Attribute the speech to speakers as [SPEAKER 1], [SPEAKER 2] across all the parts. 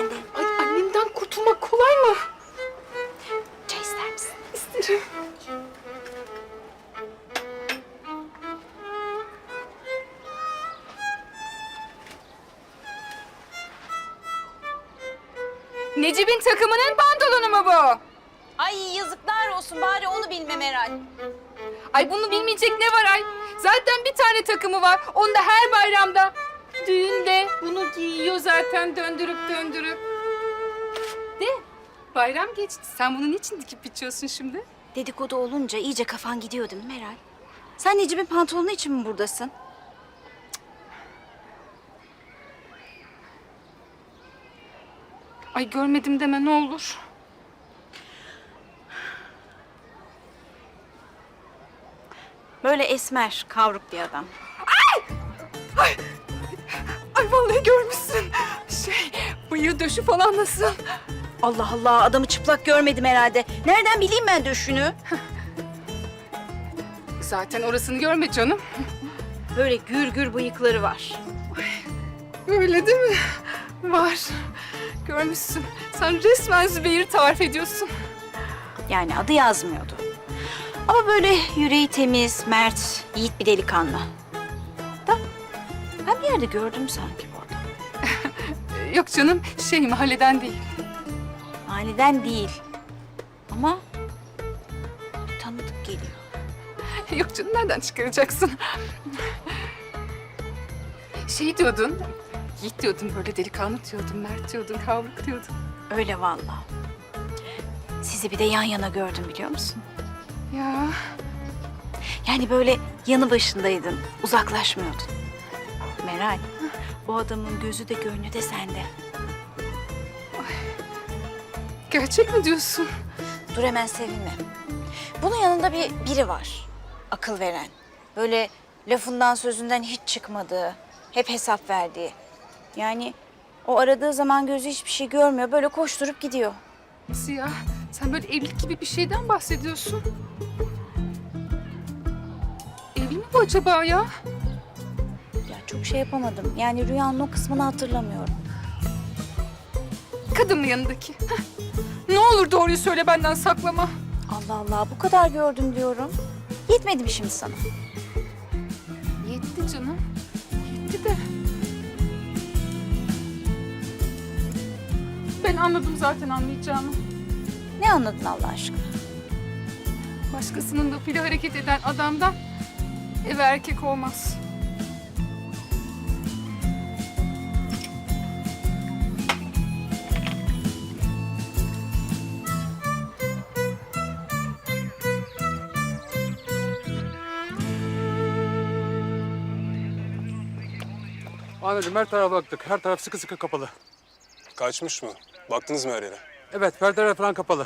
[SPEAKER 1] bende.
[SPEAKER 2] Ay annemden kurtulmak kolay mı?
[SPEAKER 1] Çay ister misin?
[SPEAKER 2] İsterim. Necip'in takımının pantolonu mu bu?
[SPEAKER 1] Ay yazıklar olsun, bari onu bilmem herhal.
[SPEAKER 2] Ay bunu bilmeyecek ne var ay? Zaten bir tane takımı var. Onu da her bayramda. Düğünde bunu giyiyor zaten döndürüp döndürüp. De bayram geçti. Sen bunu niçin dikip biçiyorsun şimdi?
[SPEAKER 1] Dedikodu olunca iyice kafan gidiyor değil mi Meral? Sen Necip'in pantolonu için mi buradasın?
[SPEAKER 2] Ay görmedim deme ne olur.
[SPEAKER 1] Böyle esmer, kavruk bir adam.
[SPEAKER 2] Ay vallahi görmüşsün. Bıyığı döşü falan nasıl?
[SPEAKER 1] Allah Allah, adamı çıplak görmedim herhalde. Nereden bileyim ben döşünü?
[SPEAKER 2] Zaten orasını görme canım.
[SPEAKER 1] Böyle gür gür bıyıkları var.
[SPEAKER 2] Öyle değil mi? Var. Görmüşsün. Sen resmen Zübeyir'i tarif ediyorsun.
[SPEAKER 1] Yani adı yazmıyordu. Ama böyle yüreği temiz, mert, yiğit bir delikanlı. Da ben bir yerde gördüm sanki bu adamı.
[SPEAKER 2] Yok canım, mahalleden değil.
[SPEAKER 1] Mahalleden değil. Ama bir tanıdık geliyor.
[SPEAKER 2] Yok canım, nereden çıkaracaksın? Diyordun, yiğit diyordun, böyle delikanlı diyordun, mert diyordun, kavruk diyordun.
[SPEAKER 1] Öyle vallahi. Sizi bir de yan yana gördüm biliyor musun?
[SPEAKER 2] Ya
[SPEAKER 1] Yani böyle yanı başındaydın, uzaklaşmıyordun. Meral, o adamın gözü de gönlü de sende.
[SPEAKER 2] gerçek mi diyorsun?
[SPEAKER 1] Dur hemen sevinme. Bunun yanında biri var, akıl veren. Böyle lafından sözünden hiç çıkmadığı, hep hesap verdiği. Yani o aradığı zaman gözü hiçbir şey görmüyor, böyle koşturup gidiyor.
[SPEAKER 2] Nasıl ya? Sen böyle evlilik gibi bir şeyden bahsediyorsun. Evli mi bu acaba ya?
[SPEAKER 1] Ya çok şey yapamadım. Yani rüyanın o kısmını hatırlamıyorum.
[SPEAKER 2] Kadın mı yanındaki? Heh. Ne olur doğruyu söyle, benden saklama.
[SPEAKER 1] Allah Allah, bu kadar gördüm diyorum. Yetmedi mi şimdi sana?
[SPEAKER 2] Yetti canım. Yetti de. Ben anladım zaten anlayacağımı.
[SPEAKER 1] Ne anladın Allah aşkına?
[SPEAKER 2] Başkasının lafıyla hareket eden adamdan ev erkek olmaz.
[SPEAKER 3] Amirim her tarafa baktık. Her taraf sıkı sıkı kapalı.
[SPEAKER 4] Kaçmış mı? Baktınız mı her yere?
[SPEAKER 3] Evet, perdeler falan kapalı.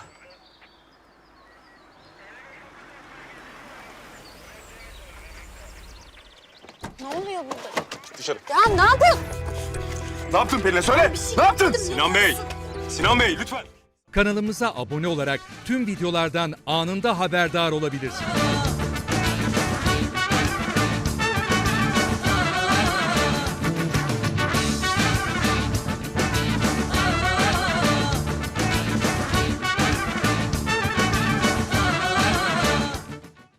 [SPEAKER 1] Ne oluyor burada?
[SPEAKER 4] Dışarı.
[SPEAKER 1] Ya ne yapıyorsun?
[SPEAKER 4] Ne yaptın Pelin'e söyle? Ne yaptın? Sinan Bey! Sinan Bey lütfen!
[SPEAKER 5] Kanalımıza abone olarak tüm videolardan anında haberdar olabilirsiniz.